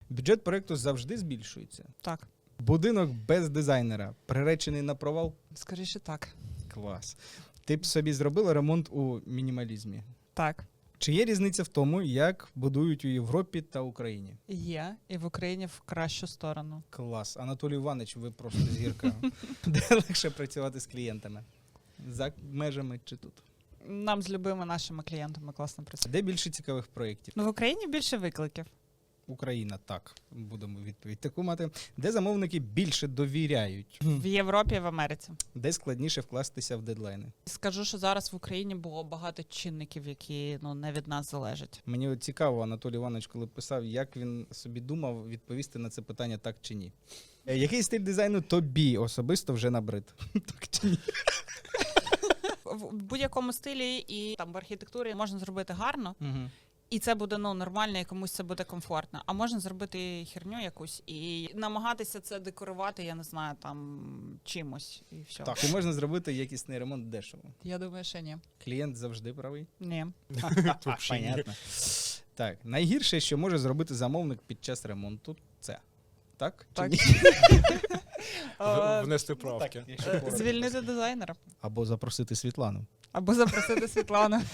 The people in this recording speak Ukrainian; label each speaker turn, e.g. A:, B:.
A: Бюджет проєкту завжди збільшується.
B: Так,
A: Будинок без дизайнера приречений на провал?
B: скоріше так.
A: Клас. Ти б собі зробила ремонт у мінімалізмі?
B: Так,
A: Чи є різниця в тому, як будують у Європі та Україні?
B: є. І в Україні в кращу сторону.
A: Клас. Анатолій Іванович, ви просто зірка. Де легше працювати з клієнтами? За межами чи тут?
B: Нам з любими нашими клієнтами класно працює.
A: Де більше цікавих проєктів?
B: Ну, в Україні більше викликів.
A: Україна, так. Будемо відповідь таку мати. Де замовники більше довіряють?
B: В Європі і в Америці.
A: Де складніше вкластися в дедлайни?
B: Скажу, що зараз в Україні було багато чинників, які не від нас залежать.
A: Мені от цікаво, Анатолій Іванович, коли писав, як він собі думав відповісти на це питання так чи ні. Який стиль дизайну тобі особисто вже набрид? Так чи ні?
B: В будь-якому стилі і там в архітектурі можна зробити гарно,
A: Угу.
B: і це буде нормально, і комусь це буде комфортно. А можна зробити херню якусь і намагатися це декорувати, я не знаю, там чимось і все.
A: Так, і можна зробити якісний ремонт дешево.
B: Я думаю, що ні.
A: Клієнт завжди правий.
B: Ні.
A: Понятно. Так, найгірше, що може зробити замовник під час ремонту, це. Так? Чи
B: Так.
A: ні?
C: Внести правки.
A: Так, якщо коротко.
B: Звільнити дизайнера.
A: Або запросити Світлану.
B: Або запросити Світлану.